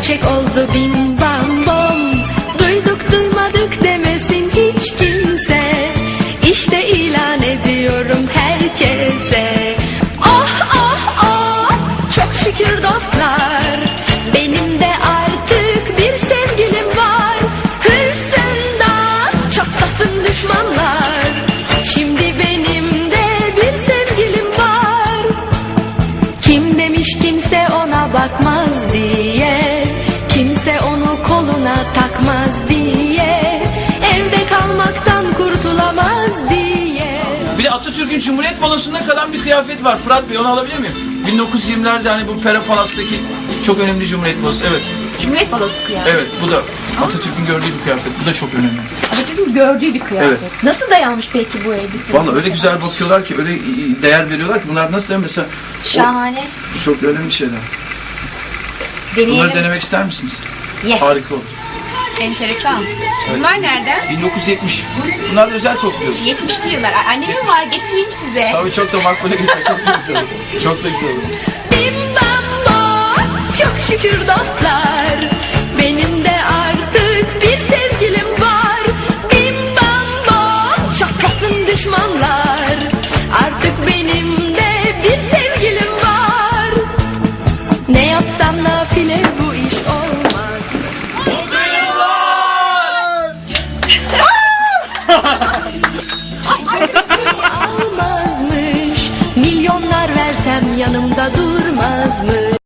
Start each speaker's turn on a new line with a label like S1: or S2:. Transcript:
S1: gerçek oldu bim bam bom. Duyduk duymadık demesin hiç kimse. İşte ilan ediyorum herkese. Oh oh oh, çok şükür dostlar, benim de artık bir sevgilim var. Hırsından çatlasın düşmanlar, şimdi benim de bir sevgilim var. Kim demiş kimse ona bakmaz diye, kimse onu koluna takmaz diye, evde kalmaktan kurtulamaz diye.
S2: Bir de Atatürk'ün Cumhuriyet balosunda kalan bir kıyafet var. Fırat Bey, onu alabilir miyim? 1920'lerde hani bu Pera Palas'taki çok önemli Cumhuriyet balosu. Evet.
S3: Cumhuriyet balosu kıyafet.
S2: Evet, bu da Atatürk'ün gördüğü bir kıyafet. Bu da çok önemli.
S3: Atatürk'ün gördüğü bir kıyafet.
S2: Evet.
S3: Nasıl dayanmış peki bu elbise?
S2: Vallahi öyle güzel bakıyorlar ki, öyle değer veriyorlar ki. Bunlar nasıl mesela?
S3: Şahane.
S2: Çok önemli şeyler.
S3: Deneyelim.
S2: Bunları denemek ister misiniz?
S3: Yes.
S2: Harika olur.
S3: Enteresan. Bunlar nereden?
S2: 1970. Bunlar da özel topluyoruz.
S3: 70'li yıllar. Annemin var, getireyim size.
S2: Tabii çok da makbule geçiyor. Çok da güzel olur. Çok da güzel olur.
S1: Bim bam bom, çok şükür dostlar, benim de artık bir sevgilim var. Bim bam bom, çatlasın düşmanlar, artık benim de bir sevgilim var. Ne yapsam nafile bu iş olur.